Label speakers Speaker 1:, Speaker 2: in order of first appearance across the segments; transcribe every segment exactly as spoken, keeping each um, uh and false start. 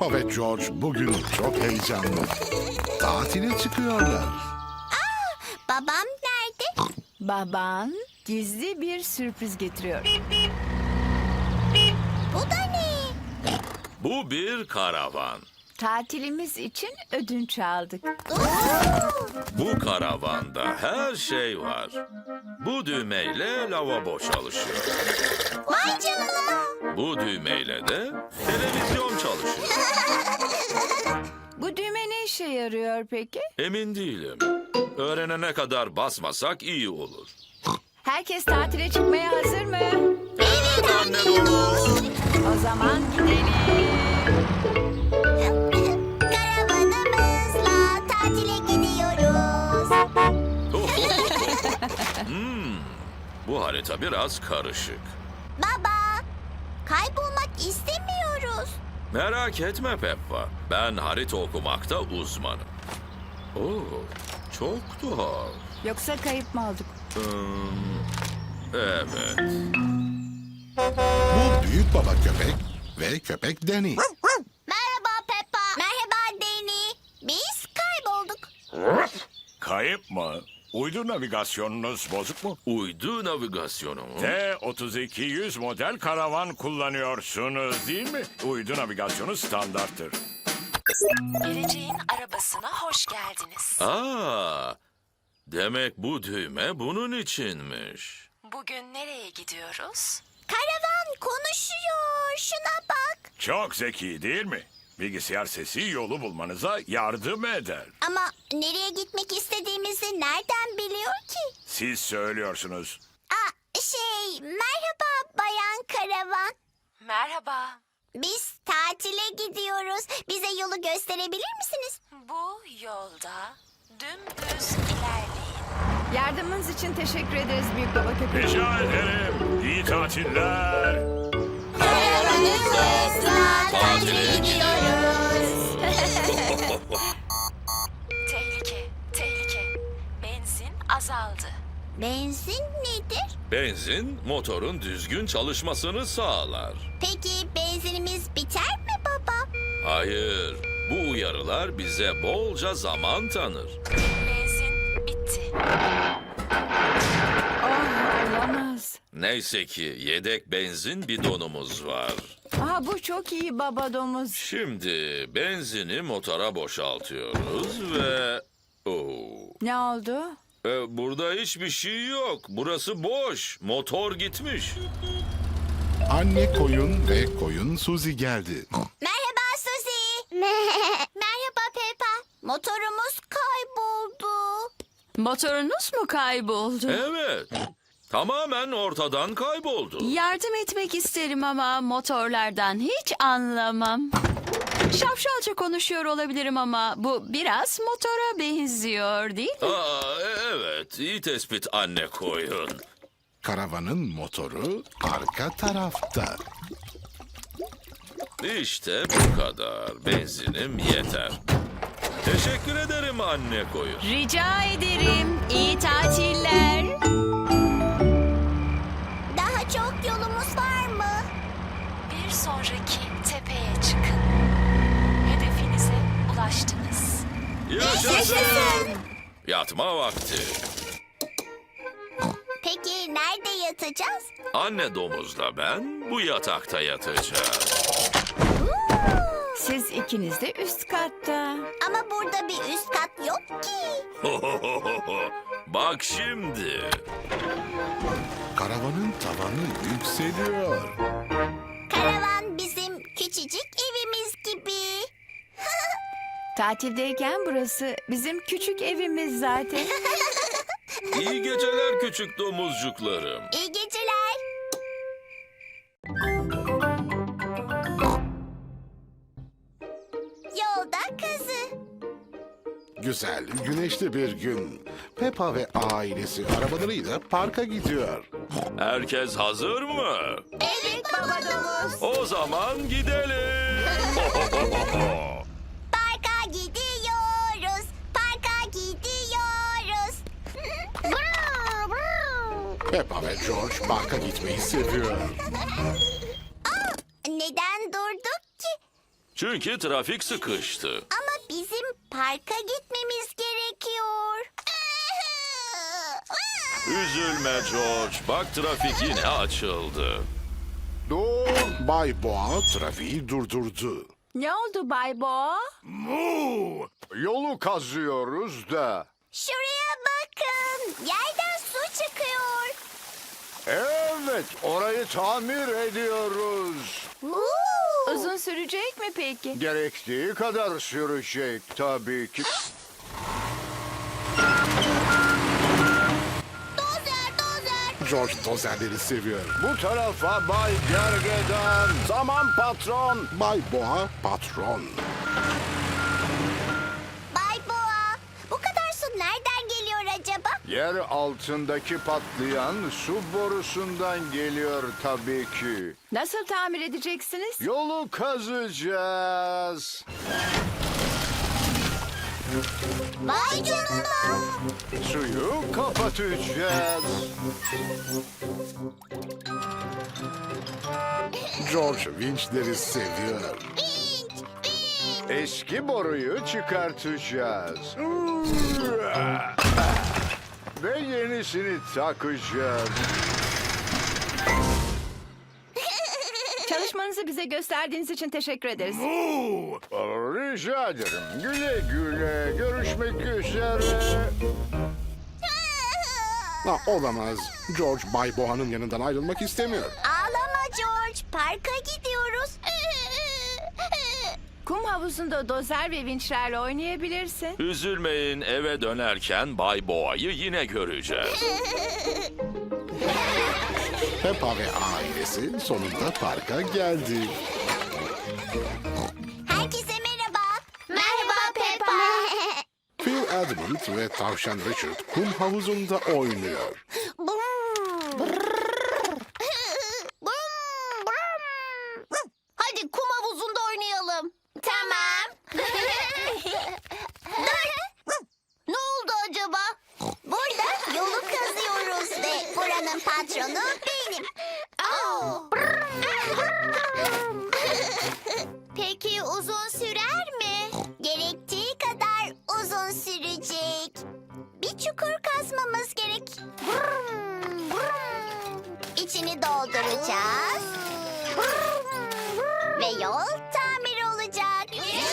Speaker 1: Peppa ve George bugün çok heyecanlı. Tatile çıkıyorlar.
Speaker 2: Babam nerede?
Speaker 3: Baban gizli bir sürpriz getiriyor.
Speaker 2: Bu da ne?
Speaker 4: Bu bir karavan.
Speaker 3: Tatilimiz için ödünç aldık.
Speaker 4: Bu karavanda her şey var. Bu düğmeyle lavabo çalışıyor.
Speaker 2: Vay canına.
Speaker 4: Bu düğmeyle de televizyon çalışıyor.
Speaker 3: Bu düğme ne işe yarıyor peki?
Speaker 4: Emin değilim. Öğrenene kadar basmasak iyi olur.
Speaker 3: Herkes tatile çıkmaya hazır mı?
Speaker 4: Evet anne domuz.
Speaker 3: O zaman gidelim.
Speaker 2: Karavanımızla tatile gidiyoruz.
Speaker 4: Hmm, bu harita biraz karışık.
Speaker 2: Baba, kaybolmak istemiyoruz.
Speaker 4: Merak etme Peppa. Ben harita okumakta uzmanım. Oo, çok tuhaf.
Speaker 3: Yoksa kayıp mı olduk?
Speaker 4: Hmm, evet.
Speaker 1: Bu büyük baba köpek ve köpek Danny.
Speaker 2: Merhaba Peppa. Merhaba Danny. Biz kaybolduk.
Speaker 5: Kayıp mı? Uydu navigasyonunuz bozuk mu?
Speaker 4: Uydu navigasyonu mu?
Speaker 5: T otuz iki yüz model karavan kullanıyorsunuz değil mi? Uydu navigasyonu standarttır.
Speaker 6: Geleceğin arabasına hoş geldiniz.
Speaker 4: Aa, demek bu düğme bunun içinmiş.
Speaker 6: Bugün nereye gidiyoruz?
Speaker 2: Karavan konuşuyor. Şuna bak.
Speaker 5: Çok zeki değil mi? Bilgisayar sesi yolu bulmanıza yardım eder.
Speaker 2: Ama nereye gitmek istediğimizi nereden biliyor ki?
Speaker 5: Siz söylüyorsunuz.
Speaker 2: Aa, şey, merhaba Bayan Karavan.
Speaker 6: Merhaba.
Speaker 2: Biz tatile gidiyoruz. Bize yolu gösterebilir misiniz?
Speaker 6: Bu yolda dümdüz ilerleyin.
Speaker 3: Yardımınız için teşekkür ederiz büyük baba köpek.
Speaker 5: Rica ederim. İyi tatiller.
Speaker 2: Karavanımızla tatile gidiyoruz.
Speaker 6: Tehlike, tehlike. Benzin azaldı.
Speaker 2: Benzin nedir?
Speaker 4: Benzin motorun düzgün çalışmasını sağlar.
Speaker 2: Peki benzinimiz biter mi baba?
Speaker 4: Hayır, bu uyarılar bize bolca zaman tanır.
Speaker 6: Benzin bitti.
Speaker 3: Oh, olamaz.
Speaker 4: Neyse ki yedek benzin bidonumuz var.
Speaker 3: Aha, bu çok iyi baba domuz.
Speaker 4: Şimdi benzini motora boşaltıyoruz ve... Oo.
Speaker 3: Ne oldu?
Speaker 4: E, burada hiçbir şey yok. Burası boş. Motor gitmiş.
Speaker 1: Anne koyun ve koyun Suzy geldi.
Speaker 2: Merhaba Suzy. Merhaba Peppa. Motorumuz kayboldu.
Speaker 7: Motorunuz mu kayboldu?
Speaker 4: Evet. Tamamen ortadan kayboldu.
Speaker 7: Yardım etmek isterim ama motorlardan hiç anlamam. Şapşalca konuşuyor olabilirim ama bu biraz motora benziyor değil mi?
Speaker 4: Aa, e- evet. İyi tespit anne koyun.
Speaker 1: Karavanın motoru arka tarafta.
Speaker 4: İşte bu kadar. Benzinim yeter. Teşekkür ederim anne koyun.
Speaker 7: Rica ederim. İyi tatiller.
Speaker 2: Daha çok yolumuz var mı?
Speaker 6: Bir sonraki tepeye çıkın. Hedefinize ulaştınız.
Speaker 4: Yaşasın. Yatma vakti.
Speaker 2: Peki nerede yatacağız?
Speaker 4: Anne domuzla ben bu yatakta yatacağız.
Speaker 3: Siz ikiniz de üst katta.
Speaker 2: Ama burada bir üst kat yok ki.
Speaker 4: Bak şimdi.
Speaker 1: Karavanın tavanı yükseliyor.
Speaker 2: Karavan bizim küçücük evimiz gibi.
Speaker 3: Tatildeyken burası bizim küçük evimiz zaten.
Speaker 4: İyi geceler küçük domuzcuklarım.
Speaker 2: İyi geceler. Yolda kazı.
Speaker 1: Güzel, güneşli bir gün. Peppa ve ailesi arabalarıyla parka gidiyor.
Speaker 4: Herkes hazır mı?
Speaker 2: Evet baba domuz.
Speaker 4: O zaman gidelim.
Speaker 2: Parka gidiyoruz. Parka gidiyoruz. Brr, brr.
Speaker 1: Peppa ve George parka gitmeyi seviyor.
Speaker 2: Neden durduk ki?
Speaker 4: Çünkü trafik sıkıştı.
Speaker 2: Ama bizim parka gitmemiz gerekiyor.
Speaker 4: Üzülme George. Bak trafik yine açıldı.
Speaker 1: Dur. Bay Boğa trafiği durdurdu.
Speaker 3: Ne oldu Bay Boğa?
Speaker 8: Mu! Yolu kazıyoruz da.
Speaker 2: Şuraya bakın. Yerden su çıkıyor.
Speaker 8: Evet, orayı tamir ediyoruz.
Speaker 2: Uuu.
Speaker 3: Uzun sürecek mi peki?
Speaker 8: Gerektiği kadar sürecek tabii ki.
Speaker 2: Dozer, dozer.
Speaker 1: George dozerleri seviyor.
Speaker 8: Bu tarafa Bay Gergedan. Tamam patron.
Speaker 1: Bay Boğa patron.
Speaker 2: Bay Boğa, bu kadar su nereden geliyor acaba?
Speaker 8: Yer altındaki patlayan su borusundan geliyor tabii ki.
Speaker 3: Nasıl tamir edeceksiniz?
Speaker 8: Yolu kazacağız.
Speaker 2: Vay canına.
Speaker 8: Suyu kapatacağız.
Speaker 1: George vinçleri seviyor.
Speaker 2: Vinç, vinç.
Speaker 8: Eski boruyu çıkartacağız. Ve yenisini takacağız.
Speaker 3: Çalışmanızı bize gösterdiğiniz için teşekkür ederiz.
Speaker 8: Rica ederim. Güle güle. Görüşmek üzere.
Speaker 1: Ha, olamaz. George Bay Boğa'nın yanından ayrılmak istemiyor.
Speaker 2: Ağlama George, parka gidiyoruz.
Speaker 3: Kum havuzunda dozer ve vinçlerle oynayabilirsin.
Speaker 4: Üzülmeyin, eve dönerken Bay Boğa'yı yine göreceğiz.
Speaker 1: Peppa ve ailesi sonunda parka geldi.
Speaker 2: Herkese merhaba. Merhaba Peppa.
Speaker 1: Phil Edmund ve tavşan Richard kum havuzunda oynuyor.
Speaker 2: Hadi kum havuzunda oynayalım. Tamam. Ne oldu acaba? Burada yolu kazıyoruz ve buranın patronu benim. Peki uzun sürer mi? Gerektiği kadar uzun sürecek. Bir çukur kazmamız gerek. İçini dolduracağız. Ve yol tamir olacak.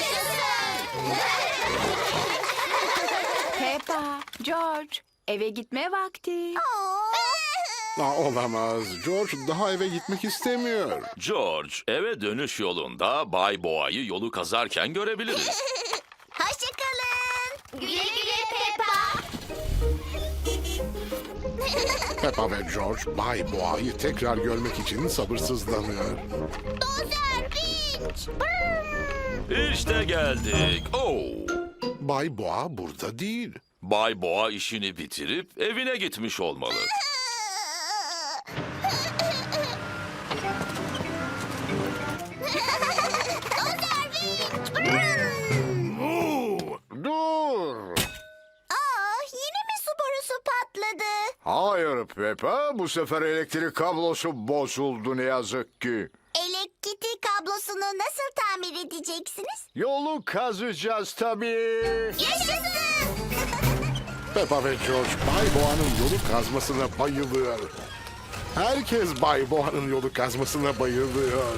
Speaker 3: Peppa, George, eve gitme vakti.
Speaker 1: Ha, olamaz. George daha eve gitmek istemiyor.
Speaker 4: George, eve dönüş yolunda Bay Boğa'yı yolu kazarken görebiliriz.
Speaker 2: Hoşçakalın. Güle güle Peppa.
Speaker 1: Peppa ve George Bay Boğa'yı tekrar görmek için sabırsızlanıyor.
Speaker 2: Dozer, vinç.
Speaker 4: İşte geldik. Oh!
Speaker 1: Bay Boğa burada değil.
Speaker 4: Bay Boğa işini bitirip evine gitmiş olmalı.
Speaker 8: Dur.
Speaker 2: Aa, yine mi su borusu patladı?
Speaker 8: Hayır Peppa, bu sefer elektrik kablosu bozuldu ne yazık ki.
Speaker 2: Elektrik kablosunu nasıl tamir edeceksiniz?
Speaker 8: Yolu kazacağız tabii.
Speaker 2: Yaşasın!
Speaker 1: Peppa ve George Bay Boğa'nın yolu kazmasına bayılıyor. Herkes Bay Boğa'nın yolu kazmasına bayılıyor.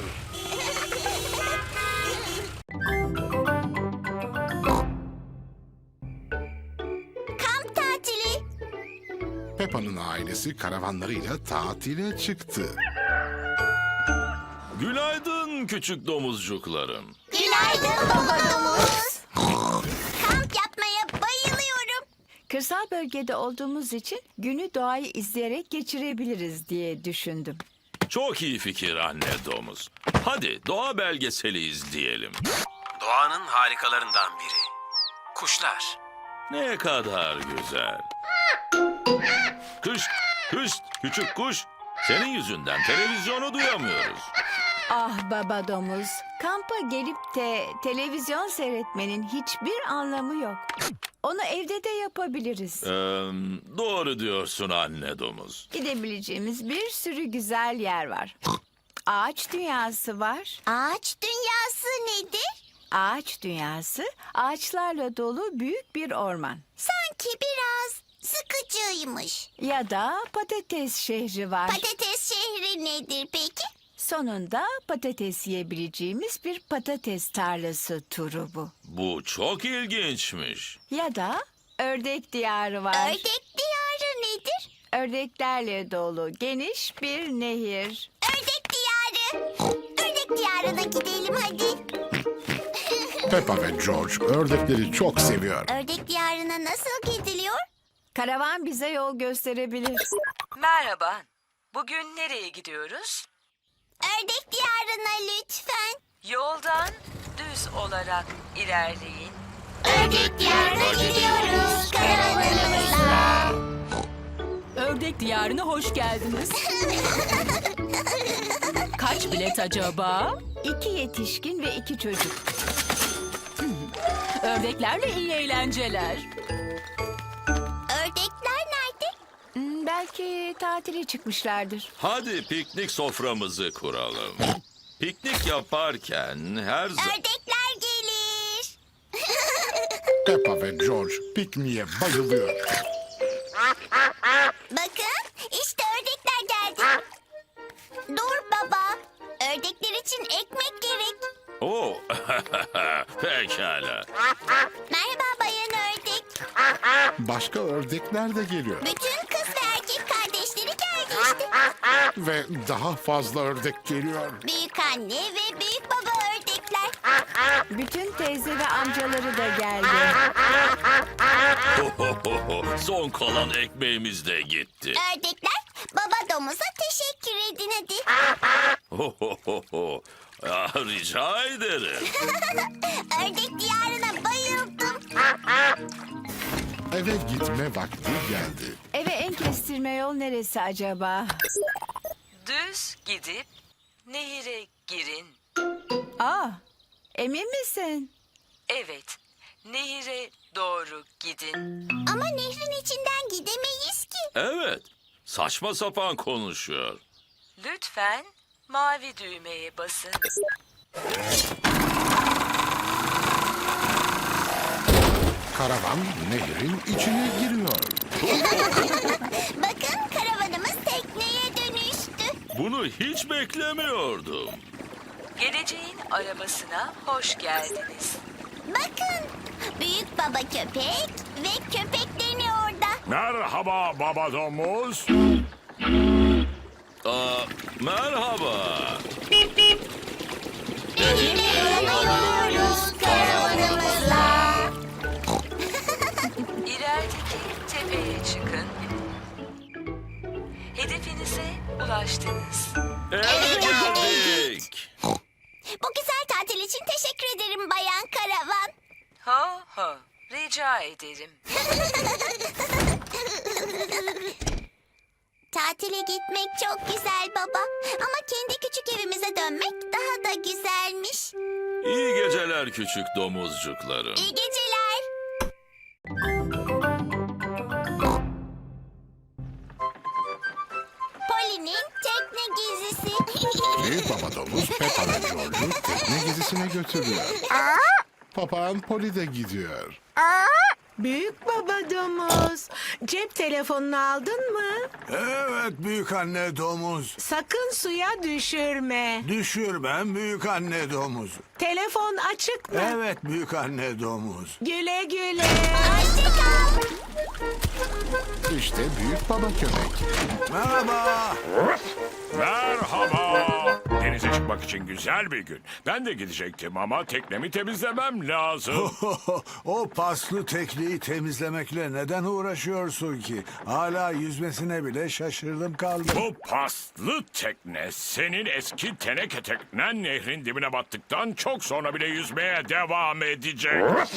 Speaker 2: Kamp tatili.
Speaker 1: Peppa'nın ailesi karavanlarıyla tatile çıktı.
Speaker 4: Günaydın küçük domuzcuklarım.
Speaker 2: Günaydın baba domuz. Kamp yapmaya bayılıyorum.
Speaker 3: Kırsal bölgede olduğumuz için günü doğayı izleyerek geçirebiliriz diye düşündüm.
Speaker 4: Çok iyi fikir anne domuz. Hadi doğa belgeseli izleyelim.
Speaker 9: Doğanın harikalarından biri. Kuşlar.
Speaker 4: Ne kadar güzel. Kış, kış, küçük kuş. Senin yüzünden televizyonu duyamıyoruz.
Speaker 3: Ah baba domuz, kampa gelip de televizyon seyretmenin hiçbir anlamı yok. Onu evde de yapabiliriz.
Speaker 4: Ee, doğru diyorsun anne domuz.
Speaker 3: Gidebileceğimiz bir sürü güzel yer var. Ağaç dünyası var.
Speaker 2: Ağaç dünyası nedir?
Speaker 3: Ağaç dünyası ağaçlarla dolu büyük bir orman.
Speaker 2: Sanki biraz sıkıcıymış.
Speaker 3: Ya da patates şehri var.
Speaker 2: Patates şehri nedir peki?
Speaker 3: Sonunda patates yiyebileceğimiz bir patates tarlası turu bu.
Speaker 4: Bu çok ilginçmiş.
Speaker 3: Ya da ördek diyarı var.
Speaker 2: Ördek diyarı nedir?
Speaker 3: Ördeklerle dolu geniş bir nehir.
Speaker 2: Ördek diyarı. Ördek diyarına gidelim hadi.
Speaker 1: Peppa ve George ördekleri çok seviyor.
Speaker 2: Ördek diyarına nasıl gidiliyor?
Speaker 3: Karavan bize yol gösterebilir.
Speaker 10: Merhaba. Bugün nereye gidiyoruz?
Speaker 2: Ördek diyarına lütfen.
Speaker 10: Yoldan düz olarak ilerleyin.
Speaker 2: Ördek diyarına gidiyoruz karavanımızla.
Speaker 7: Ördek diyarına hoş geldiniz. Kaç bilet acaba?
Speaker 3: İki yetişkin ve iki çocuk.
Speaker 7: Ördeklerle iyi eğlenceler.
Speaker 2: Ördekler nerede?
Speaker 3: Hmm, belki tatile çıkmışlardır.
Speaker 4: Hadi piknik soframızı kuralım. Piknik yaparken her zaman...
Speaker 2: Ördekler gelir.
Speaker 1: Peppa ve George pikniğe bayılıyor.
Speaker 2: Bakın işte ördekler geldi. Dur baba. Ördekler için ekmek gerek.
Speaker 4: Oo, pekala.
Speaker 2: Merhaba bayan ördek.
Speaker 1: Başka ördekler de geliyor.
Speaker 2: Bütün kız ve erkek kardeşleri geldi işte.
Speaker 1: Ve daha fazla ördek geliyor.
Speaker 2: Büyük anne ve büyük baba ördekler.
Speaker 3: Bütün teyze ve amcaları da geldi.
Speaker 4: Son kalan ekmeğimiz de gitti.
Speaker 2: Ördekler baba domuza teşekkür edin hadi.
Speaker 4: Ah, rica ederim.
Speaker 2: Ördek diyarına bayıldım.
Speaker 1: Eve gitme vakti geldi.
Speaker 3: Eve en kestirme yol neresi acaba?
Speaker 10: Düz gidip nehire girin.
Speaker 3: Aa, emin misin?
Speaker 10: Evet, nehire doğru gidin.
Speaker 2: Ama nehrin içinden gidemeyiz ki.
Speaker 4: Evet, saçma sapan konuşuyor.
Speaker 10: Lütfen mavi düğmeye basın.
Speaker 1: Karavan nehrin içine giriyor.
Speaker 2: Bakın karavanımız tekneye dönüştü.
Speaker 4: Bunu hiç beklemiyordum.
Speaker 10: Geleceğin arabasına hoş geldiniz.
Speaker 2: Bakın büyük baba köpek ve köpeklerini orada.
Speaker 5: Merhaba baba domuz.
Speaker 4: Aa, merhaba.
Speaker 2: Nehirle yolluyoruz karavanımızla.
Speaker 10: İlerideki tepeye çıkın. Hedefinize ulaştınız.
Speaker 4: Eve geldik.
Speaker 2: Bu güzel tatil için teşekkür ederim bayan karavan.
Speaker 10: Ho ho, rica ederim.
Speaker 2: Tatile gitmek çok güzel baba. Ama kendi küçük evimize dönmek daha da güzelmiş.
Speaker 4: İyi geceler küçük domuzcuklarım.
Speaker 2: İyi geceler. Poli'nin tekne gezisi.
Speaker 1: Büyük baba domuz Peppa ve George'u tekne gezisine götürüyor. Papağan Poli de gidiyor.
Speaker 11: Büyük baba domuz. Cep telefonunu aldın mı?
Speaker 8: Evet büyük anne domuz.
Speaker 11: Sakın suya düşürme.
Speaker 8: Düşürmem büyük anne domuz.
Speaker 11: Telefon açık mı?
Speaker 8: Evet büyük anne domuz.
Speaker 11: Güle güle.
Speaker 2: Hoşçakal.
Speaker 1: İşte büyük baba köpek.
Speaker 8: Merhaba.
Speaker 5: Merhaba. Denize çıkmak için güzel bir gün. Ben de gidecektim ama teknemi temizlemem lazım.
Speaker 8: O paslı tekneyi temizlemekle neden uğraşıyorsun ki? Hala yüzmesine bile şaşırdım kaldım.
Speaker 5: Bu paslı tekne senin eski teneke teknen nehrin dibine battıktan çok sonra bile yüzmeye devam edecek.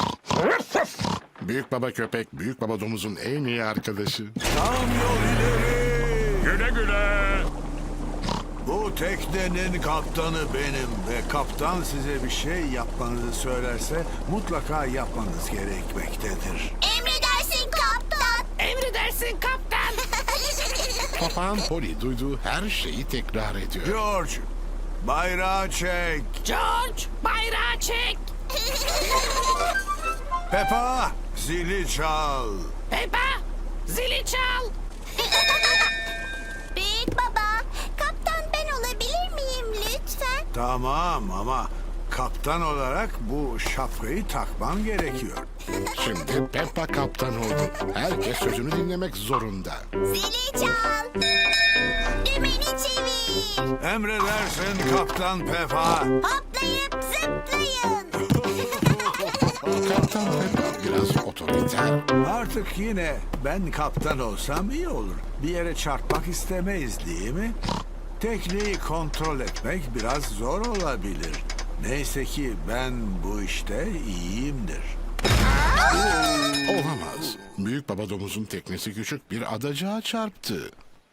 Speaker 1: Büyük baba köpek büyük baba domuzun en iyi arkadaşı.
Speaker 8: Tam yol ileri.
Speaker 5: Güle güle.
Speaker 8: Bu teknenin kaptanı benim ve kaptan size bir şey yapmanızı söylerse mutlaka yapmanız gerekmektedir.
Speaker 2: Emredersin kaptan.
Speaker 11: Emredersin kaptan.
Speaker 1: Papağan Poli duyduğu her şeyi tekrar ediyor.
Speaker 8: George, bayrağı çek.
Speaker 11: George, bayrağı çek.
Speaker 8: Peppa, zili çal.
Speaker 11: Peppa, zili çal.
Speaker 2: Büyük baba, kaptan ben olabilir miyim lütfen?
Speaker 8: Tamam ama kaptan olarak bu şapkayı takman gerekiyor.
Speaker 1: Şimdi Peppa kaptan oldu. Herkes sözünü dinlemek zorunda.
Speaker 2: Zili çal. Dümeni çevir.
Speaker 8: Emredersin Kaptan Peppa.
Speaker 2: Hoplayıp zıplayın.
Speaker 1: Kaptan Peppa biraz otoriter.
Speaker 8: Artık yine ben kaptan olsam iyi olur. Bir yere çarpmak istemeyiz değil mi? Tekneyi kontrol etmek biraz zor olabilir. Neyse ki ben bu işte iyiyimdir.
Speaker 1: Olamaz. Büyük baba domuzun teknesi küçük bir adacığa çarptı.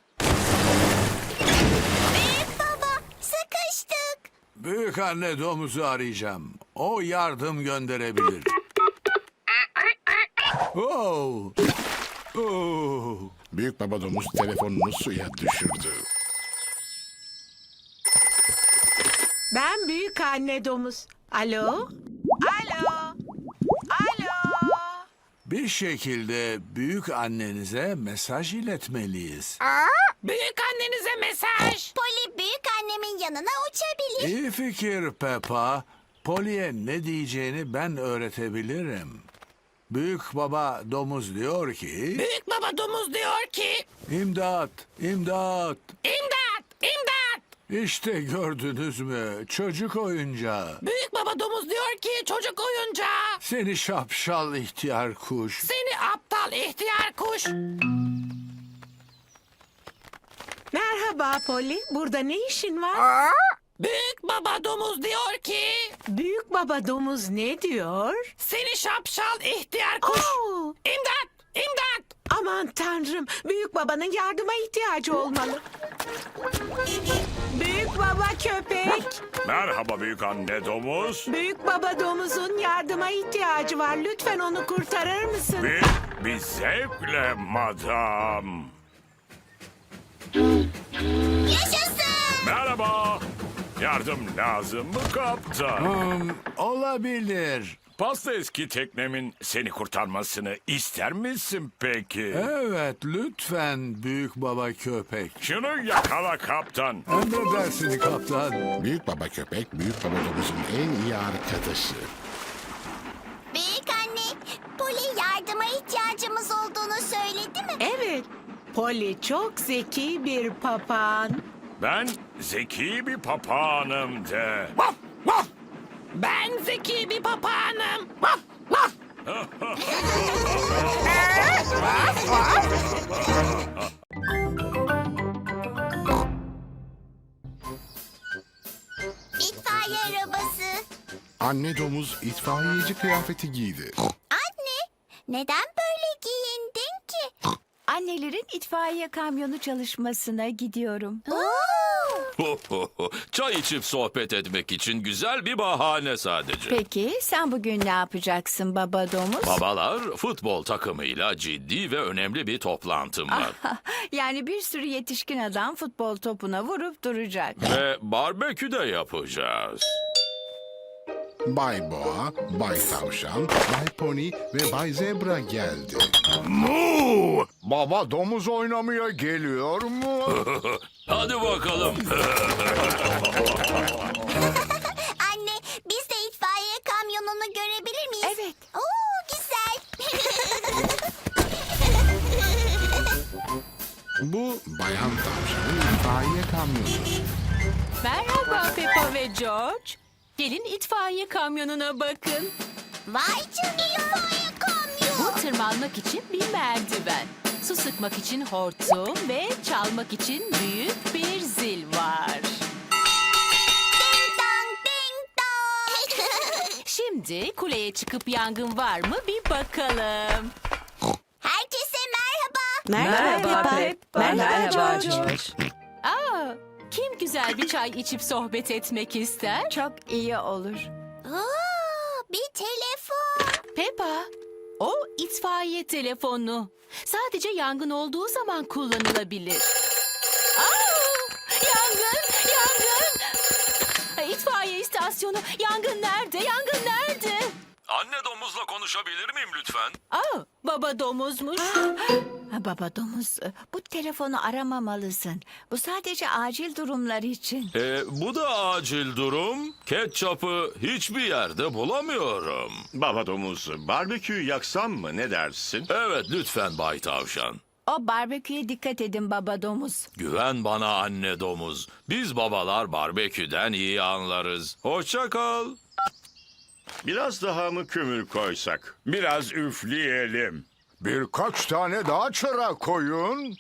Speaker 2: Büyük baba, sıkıştık.
Speaker 8: Büyük anne domuzu arayacağım. O yardım gönderebilir. Oh. Oh.
Speaker 1: Büyük baba domuz telefonunu suya düşürdü.
Speaker 11: Ben büyük anne domuz. Alo? Alo? Alo?
Speaker 8: Bir şekilde büyük annenize mesaj iletmeliyiz.
Speaker 11: Büyük annenize mesaj.
Speaker 2: Poli büyük annemin yanına uçabilir.
Speaker 8: İyi fikir Peppa. Polly'e ne diyeceğini ben öğretebilirim. Büyük baba domuz diyor ki...
Speaker 11: Büyük baba domuz diyor ki...
Speaker 8: İmdat, imdat.
Speaker 11: İmdat, imdat.
Speaker 8: İşte gördünüz mü? Çocuk oyuncağı.
Speaker 11: Büyük baba domuz diyor ki çocuk oyuncağı.
Speaker 8: Seni şapşal ihtiyar kuş.
Speaker 11: Seni aptal ihtiyar kuş. Merhaba Polly. Burada ne işin var? Büyük baba domuz diyor ki... Büyük baba domuz ne diyor? Seni şapşal ihtiyar kuş. İmdat! İmdat! Aman tanrım. Büyük babanın yardıma ihtiyacı olmalı. Büyük baba köpek.
Speaker 5: Merhaba büyük anne domuz.
Speaker 11: Büyük baba domuzun yardıma ihtiyacı var. Lütfen onu kurtarır mısın?
Speaker 5: Bir, bir zevkle madam.
Speaker 2: Yaşasın.
Speaker 5: Merhaba. Yardım lazım mı kaptan?
Speaker 8: Hmm, olabilir.
Speaker 5: Pasta eski teknemin seni kurtarmasını ister misin peki?
Speaker 8: Evet, lütfen büyük baba köpek.
Speaker 5: Şunu yakala kaptan.
Speaker 8: Emredersin kaptan.
Speaker 1: Büyük baba köpek, büyük baba domuzun en iyi arkadaşı.
Speaker 2: Büyük anne, Poli yardıma ihtiyacımız olduğunu söyledi mi?
Speaker 11: Evet. Polly çok zeki bir papağan.
Speaker 5: Ben zeki bir papağanım de.
Speaker 11: Ben zeki bir papağanım.
Speaker 2: İtfaiye arabası.
Speaker 1: Anne domuz itfaiyeci kıyafeti giydi.
Speaker 2: Anne, neden böyle giyindin ki?
Speaker 3: Annelerin itfaiye kamyonu çalışmasına gidiyorum.
Speaker 4: Çay içip sohbet etmek için güzel bir bahane sadece.
Speaker 3: Peki sen bugün ne yapacaksın baba domuz?
Speaker 4: Babalar futbol takımıyla ciddi ve önemli bir toplantım var.
Speaker 3: Yani bir sürü yetişkin adam futbol topuna vurup duracak.
Speaker 4: Ve barbekü de yapacağız.
Speaker 1: Bay Boğa, Bay Tavşan, Bay Pony ve Bay Zebra geldi.
Speaker 8: Mu! Baba domuz oynamaya geliyor mu?
Speaker 4: Hadi bakalım.
Speaker 2: Anne, biz de itfaiye kamyonunu görebilir miyiz?
Speaker 3: Evet.
Speaker 2: Oo, güzel.
Speaker 1: Bu Bayan Tavşan'ın itfaiye kamyonu.
Speaker 7: Merhaba Peppa ve George. Gelin itfaiye kamyonuna bakın.
Speaker 2: Vay canına itfaiye kamyon.
Speaker 7: Bu tırmanmak için bir merdiven. Su sıkmak için hortum ve çalmak için büyük bir zil var.
Speaker 2: Ding dong, ding dong.
Speaker 7: Şimdi kuleye çıkıp yangın var mı bir bakalım.
Speaker 2: Herkese merhaba.
Speaker 11: Merhaba Pep. Merhaba George.
Speaker 7: Aa, kim güzel bir çay içip sohbet etmek ister?
Speaker 3: Çok iyi olur.
Speaker 2: Oo, bir telefon.
Speaker 7: Peppa, o itfaiye telefonu. Sadece yangın olduğu zaman kullanılabilir. Aa, yangın, yangın. istasyonu. Yangın nerede? Yangın nerede?
Speaker 4: Anne domuzla konuşabilir miyim lütfen?
Speaker 11: Aa, baba domuzmuş.
Speaker 3: Ha, baba domuz, bu telefonu aramamalısın. Bu sadece acil durumlar için.
Speaker 4: Ee, bu da acil durum. Ketçapı hiçbir yerde bulamıyorum.
Speaker 12: Baba domuz, barbeküyü yaksam mı, ne dersin?
Speaker 4: Evet lütfen Bay Tavşan.
Speaker 3: O barbeküye dikkat edin baba domuz.
Speaker 4: Güven bana anne domuz. Biz babalar barbeküden iyi anlarız. Hoşça kal.
Speaker 12: Biraz daha mı kömür koysak?
Speaker 5: Biraz üfleyelim.
Speaker 8: Birkaç tane daha çıra koyun.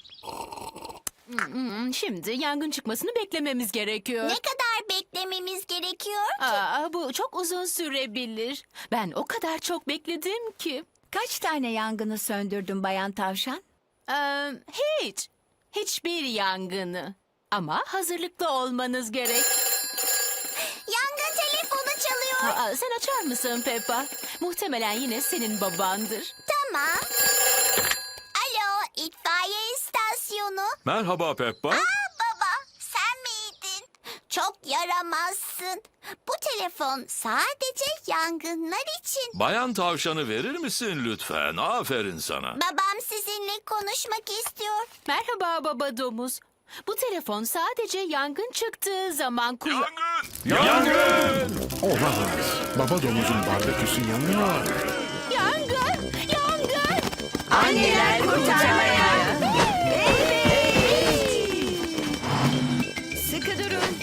Speaker 7: Şimdi yangın çıkmasını beklememiz gerekiyor.
Speaker 2: Ne kadar beklememiz gerekiyor?
Speaker 7: Aa, bu çok uzun sürebilir. Ben o kadar çok bekledim ki.
Speaker 3: Kaç tane yangını söndürdün Bayan Tavşan?
Speaker 7: Ee, hiç. Hiçbir yangını. Ama hazırlıklı olmanız gerek.
Speaker 2: Yangın telefonu çalıyor.
Speaker 7: Aa, sen açar mısın Peppa? Muhtemelen yine senin babandır.
Speaker 2: Tamam. Alo, itfaiye istasyonu.
Speaker 4: Merhaba Peppa.
Speaker 2: Aa baba, sen miydin? Çok yaramazsın. Bu telefon sadece yangınlar için.
Speaker 4: Bayan Tavşan'ı verir misin lütfen? Aferin sana.
Speaker 2: Babam sizinle konuşmak istiyor.
Speaker 7: Merhaba baba domuz. Bu telefon sadece yangın çıktığı zaman kullan...
Speaker 4: Yangın!
Speaker 1: Olamaz. Baba domuzun barbeküsü yanıyor.
Speaker 7: Yangın! Yangın!
Speaker 3: Anneler kurtarmaya. Sıkı durun.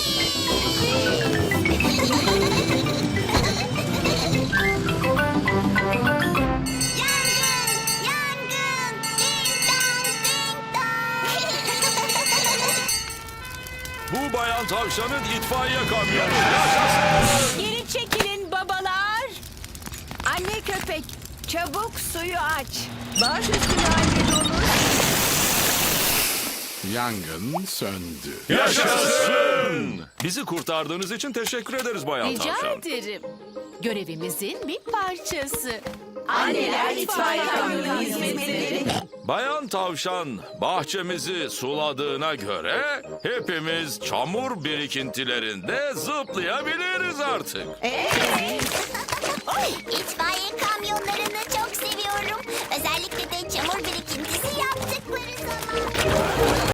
Speaker 2: Yangın! Yangın! Ding dong, ding dong.
Speaker 4: Bu Bayan Tavşan'ın itfaiye kamyonu. Yaşasın!
Speaker 7: Geri çekilin babalar.
Speaker 3: Anne köpek, çabuk suyu aç. Baş üstüne anne domuz.
Speaker 1: Yangın söndü.
Speaker 4: Yaşasın! Bizi kurtardığınız için teşekkür ederiz Bayan
Speaker 7: Rica
Speaker 4: Tavşan.
Speaker 7: ederim. Görevimizin bir parçası.
Speaker 3: Anneler itfaiye kamyonu hizmetleri.
Speaker 4: Bayan Tavşan bahçemizi suladığına göre hepimiz çamur birikintilerinde zıplayabiliriz artık.
Speaker 2: İtfaiye kamyonlarını çok seviyorum. Özellikle de çamur birikintisi yaptıkları zaman.